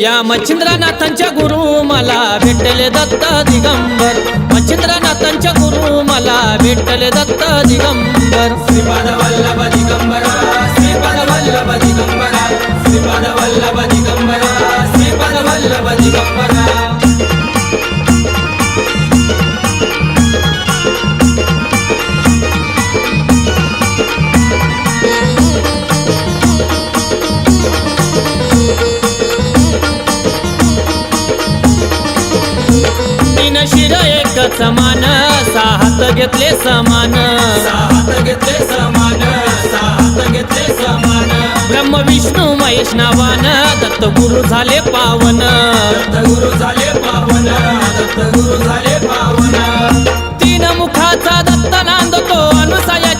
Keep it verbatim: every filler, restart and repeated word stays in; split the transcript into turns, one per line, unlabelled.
या मच्छिंद्रनाथांच्या गुरु मला भेटले दत्त दिगंबर, मच्छिंद्रनाथांच्या गुरु मला भेटले दत्त दिगंबर।
श्रीपाद वल्लभ दिगंबरा, श्रीपाद वल्लभ दिगंबरा, श्रीपाद वल्लभ दिगंबरा, श्रीपाद वल्लभ दिगंबरा।
तीन शिर एक समान, सहा हात घेतले समान,
सहा हात घेतले समान, सहा हात घेतले समान।
ब्रह्म विष्णू महेश नावान दत्त गुरु झाले पावन,
दत्त गुरु झाले पावन, दत्त गुरु झाले पावन।